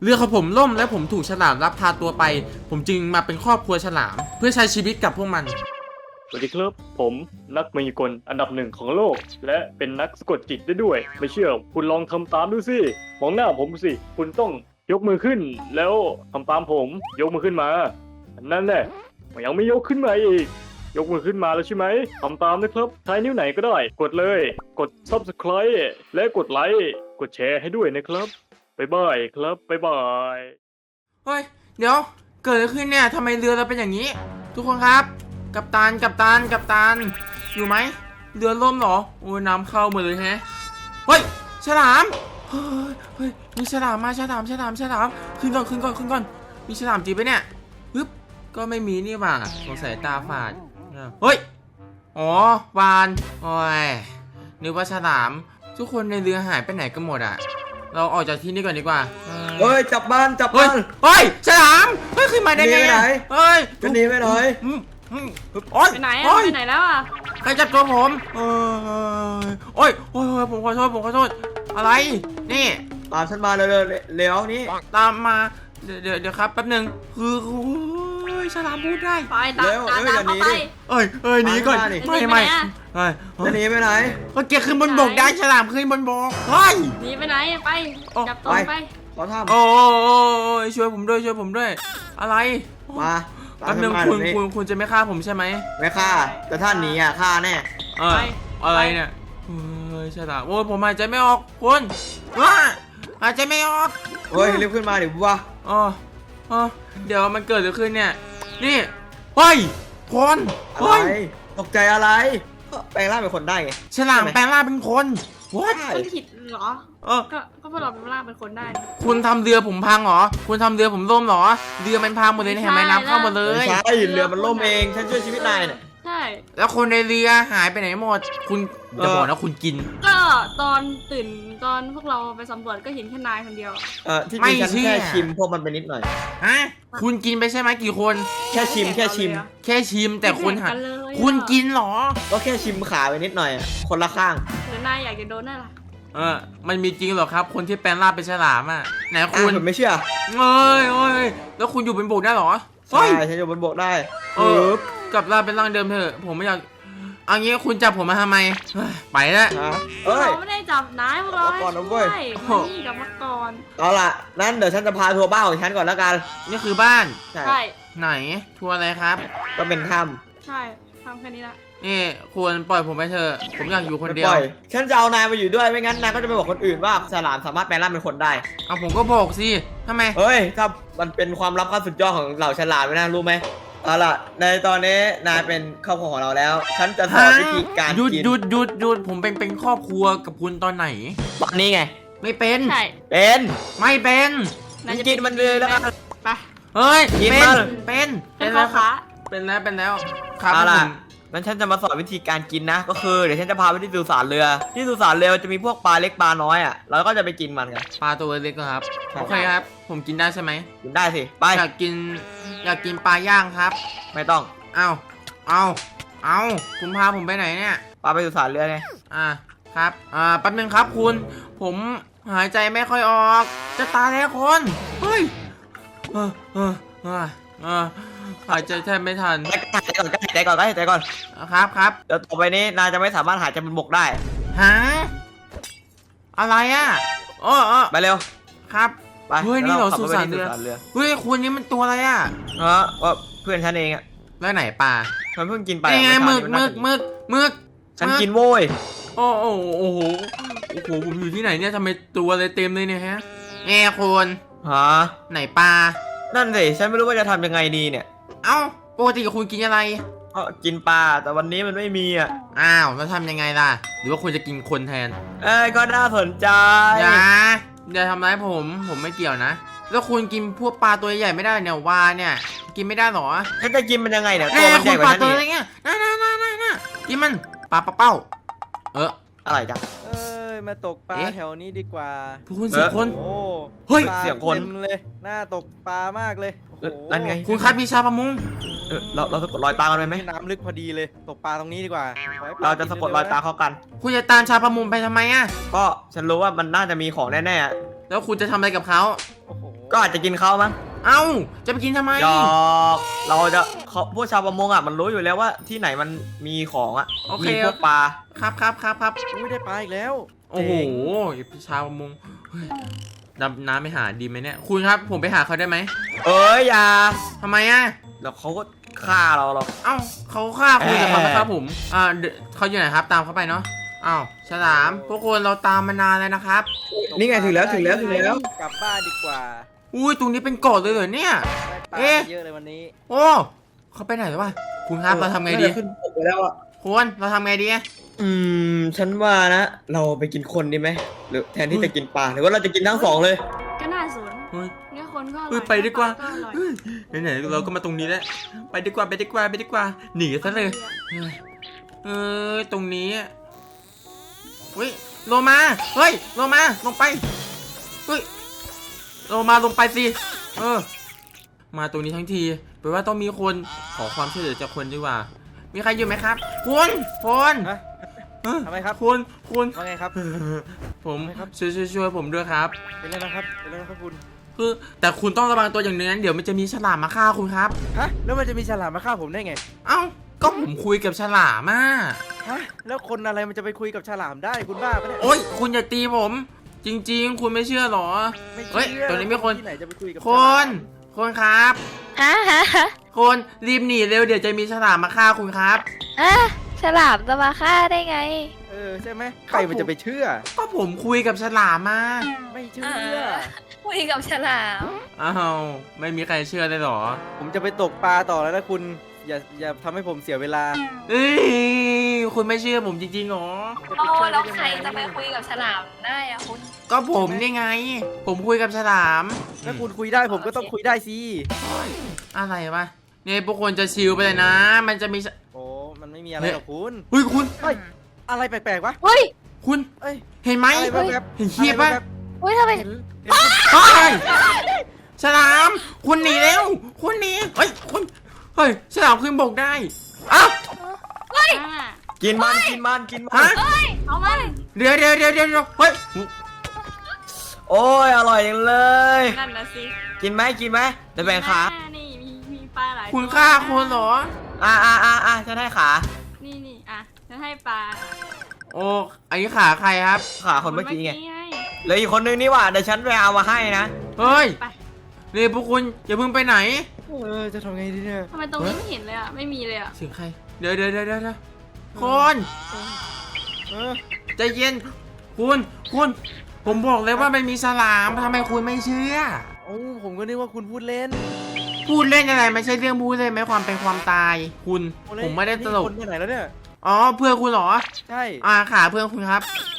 เรือของผมล่มและผมถูกฉลามลักพาตัวไปผมจึงมาเป็นครอบครัวฉลามเพื่อใช้ชีวิตกับพวกมันสวัสดีครับผมนักมายากลอันดับหนึ่งของโลกและเป็นนักสะกดจิตได้ด้วยไม่เชื่อคุณลองทำตามดูสิมองหน้าผมสิคุณต้องยกมือขึ้นแล้วทำตามผมยกมือขึ้นมานั่นแหละยังไม่ยกขึ้นมาอีกยกมือขึ้นมาแล้วใช่ไหมทำตามนะครับใช้นิ้วไหนก็ได้กดเลยกด Subscribe และกดไลค์กดแชร์ให้ด้วยนะครับบ๊ายบายครับบ๊ายบายเฮ้ยเดี๋ยวเกิดอะไรขึ้นเนี่ยทำไมเรือเราเป็นอย่างนี้ทุกคนครับกัปตันอยู่ไหมเรือล่มเหรอโอ้ยน้ำเข้าหมดเลยแฮะเฮ้ยฉลามเฮ้ยมีฉลามมาฉลามขึ้นก่อนมีฉลามจริงปะเนี่ยปึ๊บก็ไม่มีนี่หว่าสงสัยตาฝาดเฮ้ยอ๋อวานโอ้ยนึกว่าฉลามทุกคนในเรือหายไปไหนกันหมดอ่ะเราออกจากที่นี่ก่อนดีกว่าเฮ้ยจับบ้านเฮ้ยฉลามเฮ้ยขึ้นมาได้ไงเฮ้ยจะหนีไปไหนโอ๊ยไปไหนแล้วอ่ะใครจับตัวผมโอ้ยผมขอโทษอะไรนี่ตามฉันมาเร็วนี่ตามมาเดี๋ยวครับแป๊บนึงคือฉลามพูดได้ไปตามเข้าไปหนีก่อนไม่จะหนีไปไหนก็เกียร์ขึ้นบนบกได้ฉลามขึ้นบนบกเฮ้ยหนีไปไหนไปจับตัวไปขอทำโอ้ยช่วยผมด้วยอะไรมาแป๊บนึงคุณจะไม่ฆ่าผมใช่ไหมไม่ฆ่าแต่ท่านหนีอ่ะฆ่าแน่อะไรเนี่ยฉลามโอ้ยผมหายใจไม่ออกคุณว้าหายใจไม่ออกเฮ้ยรีบขึ้นมาดิวะเดี๋ยวมันเกิดอะไรขึ้นเนี่ยนี่เฮ้ยคนตกใจอะไรแปลงร่างเป็นคนได้ไงฉลามแปลงร่างเป็นคนคุณผิดเหรอก็พวกเราเป็นร่างเป็นคนได้คุณทำเรือผมพังเหรอคุณทำเรือผมล่มเหรอเรือมันพังหมดเลยเห็นไหมน้ำเข้าหมดเลยใช่เรือมันล่มเองฉันช่วยชีวิตนายเนี่ยใช่แล้วคนในเรือหายไปไหนหมดคุณจะบอกนะคุณกินก็ตอนตื่นตอนพวกเราไปสำรวจก็เห็นแค่นายคนเดียวที่จริงฉันแค่ชิมพวกมันไปนิดหน่อยฮะคุณกินไปใช่ไหมกี่คนแค่ชิมแต่คุณกินหรอก็แค่ชิมขาไปนิดหน่อยคนละข้างหรือนายอยากจะโดนนั่นล่ะมันมีจริงหรอครับคนที่แปลงร่างเป็นฉลามอ่ะไหนคุณไม่เชื่อแล้วคุณอยู่บนบกได้หรอใช่ฉันอยู่บนบกได้กลับร่างเป็นร่างเดิมเถอะผมไม่อยากเอางี้คุณจับผมมาทำไมไปแล้วเราไม่ได้จับนายพวกเราก่อนนะเว้ยนี่กับมาก่อนเอาล่ะนั่นเดี๋ยวฉันจะพาทัวร์บ้านของฉันก่อนแล้วกันนี่คือบ้านใช่ไหนทัวร์อะไรครับก็เป็นถ้ำใช่ทำแค่นี้ละนี่ควรปล่อยผมไปเถอะผมอยากอยู่คนเดียวฉันจะเอานายมาอยู่ด้วยไม่งั้นนายก็จะไปบอกคนอื่นว่าฉลามสามารถแปลงร่างเป็นคนได้เอาผมก็บอกสิทำไมเฮ้ยถ้ามันเป็นความลับขั้นสุดยอดของเหล่าฉลามไม่น่ารู้ไหมเอาล่ะในตอนนี้นายเป็นครอบครัวของเราแล้วฉันจะสอนวิธีการกินหยุดผมเป็นครอบครัวกับคุณตอนไหนตอนนี้ไงไม่เป็นเป็นไม่เป็นกินมันเลยแล้วไปเฮ้ยกินมันเป็นแล้วครับเป็นแล้วครับเอาล่ะงั้นฉันจะมาสอนวิธีการกินนะก็คือเดี๋ยวฉันจะพาไปที่สุสานเรือที่สุสานเรือจะมีพวกปลาเล็กปลาน้อยแล้วก็จะไปกินมันกันปลาตัวเล็กครับโอเคครับผมกินได้ใช่ไหมกินได้สิไปอยากกินปลาย่างครับไม่ต้องเอาคุณพาผมไปไหนเนี่ยปลาไปสุสานเรือไงครับแป๊บนึงครับคุณผมหายใจไม่ค่อยออกจะตายแล้วคนเฮ้ยหายใจแทบไม่ทันหายใจก่อนครับเดี๋ยวต่อไปนี้นายจะไม่สามารถหายใจบนบกได้ฮะอะไรอ่ะไปเร็วครับเฮ้ยนี่เราสุสานเรือเฮ้ยคุณนี่มันตัวอะไรอ่ะว่าเพื่อนฉันเองอ่ะแล้วไหนปลาฉันเพิ่งกินไปไงมึกฉันกินโว้ยโอ้โหผมอยู่ที่ไหนเนี่ยทำไมตัวอะไรเต็มเลยเนี่ยฮะคุณไหนปลานั่นสิฉันไม่รู้ว่าจะทำยังไงดีเนี่ยเอ้าปกติคุณกินอะไรกินปลาแต่วันนี้มันไม่มีแล้วทำยังไงล่ะหรือว่าคุณจะกินคนแทนก็น่าสนใจอย่าทำร้ายผมไม่เกี่ยวนะแล้วคุณกินพวกปลาตัวใหญ่ไม่ได้เนี่ยวาเนี่ยกินไม่ได้หรอฉันจะกินมันยังไงเนี่ยตัวมันใหญ่กว่าฉันนี่น่ากินมันปลาเป้าอะไรจ๊ะมาตกปลาแถวนี้ดีกว่าคุณเสียคนเฮ้ยเสียคนเลยน่าตกปลามากเลยนั่นไงคุณคัดวิชาประมงเราสะกดรอยตากันไหมน้ำลึกพอดีเลยตกปลาตรงนี้ดีกว่าเราจะสะกดรอยตาเข้ากันคุณจะตามชาประมงไปทำไมก็ฉันรู้ว่ามันน่าจะมีของแน่ๆแล้วคุณจะทำอะไรกับเขาโอ้โหก็อาจจะกินเขามั้งเอ้าจะไปกินทำไมหยอกเราจะเขาพวกชาวประมงอ่ะมันรู้อยู่แล้วว่าที่ไหนมันมีของอ่ะโอเคมีพวกปลาครับอุ้ยได้ปลาอีกแล้วโอ้โหพี่ชาวประมงเฮ้ยดำน้ำไปหาดีไหมเนี่ยคุณครับผมไปหาเขาได้ไหมเอ้ยอย่าทำไมอ่ะแล้วเขาก็ฆ่าเราหรอกเอ้าเขาฆ่าคุณแต่เขาไม่ฆ่าผมเขาอยู่ไหนครับตามเขาไปเนาะอ้าวฉลามพวกคนเราตามมานานแล้วนะครับนี่ไงถึงแล้วกลับบ้านดีกว่าอุ้ยตรงนี้เป็นเกาะเลยเหรอเนี่ยได้ปลาเอ๊ะเยอะเลยวันนี้โอ้เขาไปไหนแล้ววะคุณครับเราทำไงดีน่าจะขึ้นบกไปแล้วอ่ะคุณเราทำไงดีฉันว่านะ เราไปกินคนดีไหมหรือแทนที่จะกินปลาหรือว่าเราจะกินทั้งสองเลยก็น่าสนเฮ้ยเนี่ยคนก็อร่เฮ้อยยไปดีกว่าก็อร่อยเฮ้ยไหนๆเราก็มาตรงนี้แล้วไปดีกว่าหนีซะเลยตรงนี้เฮ้ยโลมาเฮ้ยโลมาลงไปเฮ้ยโลมาลงไปสิมาตรงนี้ทั้งทีแปลว่าต้องมีคนขอความช่วยเหลือจากคนดีกว่า มีใครอยู่ไหมครับคุณพลฮะทำไมครับคุณว่าไงครับผมทำไมครับช่วยผมด้วยครับเป็นไรนะครับเป็นไรนะครับคุณคือแต่คุณต้องระวังตัวอย่างหนึงนั้นเดี๋ยวมันจะมีฉลามมาฆ่าคุณครับฮะแล้วมันจะมีฉลามมาฆ่าผมได้ไงเอ้าก็ผมคุยกับฉลามอ่ะฮะแล้วคนอะไรมันจะไปคุยกับฉลามได้คุณบ้าปะเนี่ยโอ๊ยคุณอย่าตีผม จริง ๆ คุณไม่เชื่อหรอไม่เฮ้ยเชื่อตรงนี้มีคนที่ไหนจะไปคุยกับคฉลามคนครับฮะคนรีบหนีเร็วเดี๋ยวจะมีฉลามมาฆ่าคุณครับฉลามจะมาฆ่าได้ไงใช่ไหมใครมันจะไปเชื่อก็ผมคุยกับฉลามมาไม่เชื่อคุยกับฉลามอ้าวไม่มีใครเชื่อเลยเหรอผมจะไปตกปลาต่อแล้วนะคุณอย่าทำให้ผมเสียเวลาเอ้ยคุณไม่เชื่อผมจริงๆหรอจะไปโอ้ช่วยแล้วได้ยังใครไงจะไปคุยกับฉลามได้อะคุณก็ผมนี่ไง ผมคุยกับฉลามถ้าคุณคุยได้ผมก็ต้องคุยได้สิอะไรวะเนี่ยพวกคนจะชิลไปเลยนะ มันจะมีฉโอ้มันไม่มีอะไรหรอกคุณเฮ้ยคุณเฮ้ยอะไรแปลกๆวะเฮ้ยคุณเอ้ยเห็นไหมอะไรแบบเห็นเขียบปะเฮ้ยทำไมเห็นเฮ้ยฉลาม คุณหนีแล้ว คุณหนีเฮ้ยคุณเฮ้ยฉลามขึ้นบกได้อ้าวอ่ากินมันฮะเอามันเดี๋ยวเฮ้ยโอ้ยอร่อยจังเลยนั่นนะสิกินไหมเดี๋ยวแบ่งขานี่มีปลาหลายคุณตัวฆ่าคนเหรอฉันให้ขานี่อ่ะฉันให้ปลาโอ้อันนี้ขาใครครับขาคนเมื่อกี้ไงไงเหลืออีกคนนึงนี่หว่าเดี๋ยวฉันไปเอามาให้นะเฮ้ยไปนี่พวกคุณอย่าเพิ่งไปไหนจะทำไงดีเนี่ยทำไมตรงนี้ไม่เห็นเลยอ่ะไม่มีเลยอ่ะเสียงใคร เดี๋ยวคนเออใจเย็น คุณผมบอกเลยว่ามันมีฉลามทำไมคุณไม่เชื่อโอ้ผมก็นึกว่าคุณพูดเล่นพูดเล่นอะไรไม่ใช่เรื่องพูดเล่นไหมความเป็นความตาย คุณโอ้เล่นผมไม่ได้ตลกนี่คนไปไหนแล้วเนี่ยอ๋อเพื่อนคุณเหรอใช่ขาเพื่อนคุณครับ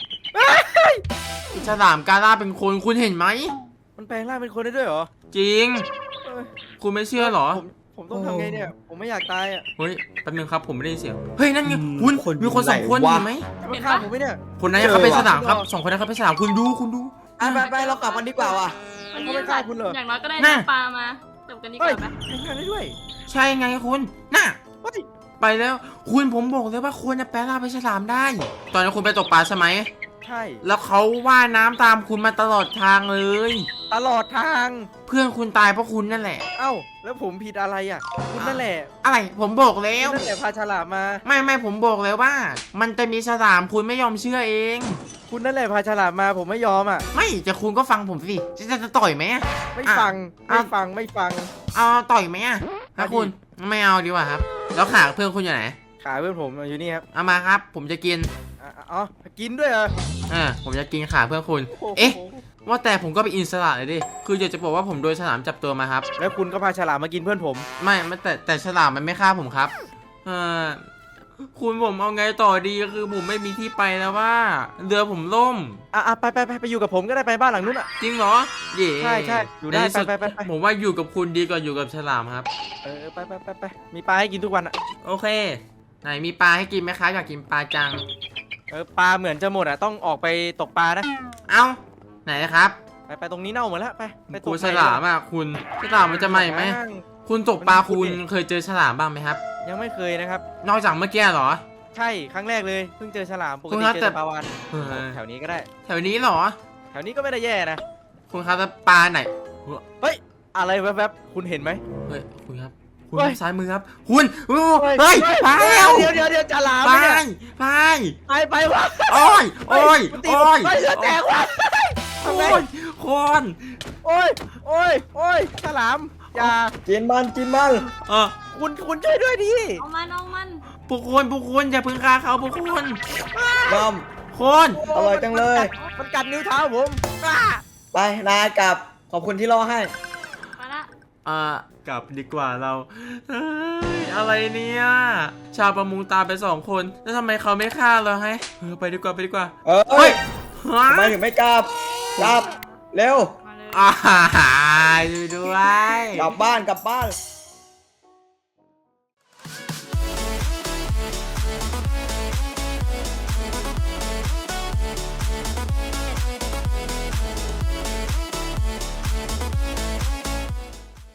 ฉลามกาล่าเป็นคนคุณเห็นไหมมันแปลงร่างเป็นคนได้ด้วยเหรอจริงเอ้ยคุณไม่เชื่อเหรอผมต้องทำไงเนี่ย ผมไม่อยากตายอ่ะเฮ้ยแป๊บนึงครับผมไม่ได้ยินเสียงเฮ้ยนั่นไงคุณคนมีคนสองคนไหนวะเห็นไหมจะมาฆ่าผมไหมเนี่ยคนนั้นเขาเป็นฉลามครับสองคนนั้นเขาเป็นฉลามคุณดูไปเรากลับกันดีกว่าว่ะวันเขานี้ไม่ฆ่าคุณเหรออย่างน้อยก็ได้น่ะน้ำปลามาจบกันดีกเฮ้ยว่าไหมแปลงร่างได้ด้วยใช่ไงคุณน่ะเฮ้ยไปแล้วคุณผมบอกเลยว่าคุณจะแปลงร่างเป็นฉลามได้ ตอนนี้คุณไปตกปลาใช่ไหมใช่แล้วเขาว่ายน้ำตามคุณมาตลอดทางเลยตลอดทางเพื่อนคุณตายเพราะคุณนั่นแหละเอ้า แล้วผมผิดอะไรอ่ะ คุณนั่นแหละอะไรผมบอกแล้คุวณนั่นแหละพาฉลามมาไม่ผมบอกแล้วว่า มันจะมีฉลามคุณไม่ยอมเชื่อเองคุณนั่นแหละพาฉลามมาผมไม่ยอมอ่ะไม่จะคุณก็ฟังผมสิจะต่อยไหมอะไม่อ่ะฟังอ่ะไม่ฟังเอาต่อยไหมอะถ้าเอาดิคุณไม่เอาดีกว่าครับ แล้วขาเพื่อนคุณอยู่ไหนขาเพื่อนผมอยู่นี่ครับเอามาครับ ผมจะกินอ๋อ กินด้วยเหรอผมจะกินขาเพื่อนคุณโโหเอ๊ะ ว่าแต่ผมก็ไปอินสระเลยดิคืออยากจะบอกว่าผมโดนฉลามจับตัวมาครับแล้วคุณก็พาฉลามมากินเพื่อนผมไม่แต่ฉลามมันไม่ฆ่าผมครับคุณผมเอาไงต่อดีคือผมไม่มีที่ไปแล้วว่าเรือผมล่มไปอยู่กับผมก็ได้ไปบ้านหลังนู้นอ่ะจริงเหรอเย่ใช่อยู่ได้ในที่สุไปผมว่าอยู่กับคุณดีกว่าอยู่กับฉลามครับไปมีปลาให้กินทุกวันอ่ะโอเค ไหนมีปลาให้กินไหมครับอยากกินปลาจังปลาเหมือนจะหมดอ่ะต้องออกไปตกปลานะเอ้าไหนนะครับไปตรงนี้เน่าหมดแล้วไปตกูกฉลามอ่ะคุณฉลามมันจะใหม่ไหมคุณตกปลาคุณเคยเจอฉลามบ้างไหมครับยังไม่เคยนะครับนอกจากเมื่อกี้เหรอใช่ครั้งแรกเลยเพิ่งเจอฉลามปกคุณติครับเจอแต่แต่ปลาวานเออแถวนี้ก็ได้แถวนี้เหรอแถวนี้ก็ไม่ได้แย่นะคุณครับแล้วปลาไหนโหเฮ้ยอะไรแวบๆคุณเห็นไหมเฮ้ยคุณครับคุณเฮ้ยซ้ายมือครับคุณโอ้เฮ้ยไปแล้วเดี๋ยวฉลามไปเนี่ยไปไปวะโอ้ยโอ้ยมันตีโอ้ยไปเรือแตกวะทำไงโอ้ยคนโอ้ยฉลามอย่ากินมันกินมันคุณช่วยด้วยดิเอามันเอามันพวกคุณอย่าพึ่งฆ่าเขาพวกคุณน้อมคนอร่อยจังเลยมันกัดนิ้วเท้าผมอ้าไปนายกลับขอบคุณที่รอให้มาละกลับดีกว่าเราเฮ้ยอะไรเนี่ยชาวประมงตามไป2 คนแล้วทำไมเขาไม่ฆ่าเราให้ไปดีกว่าเอ้เฮ้ยยฮะทำไมถึงไม่กลับกลับเร็วมาเลยช่วยด้วยกลับบ้าน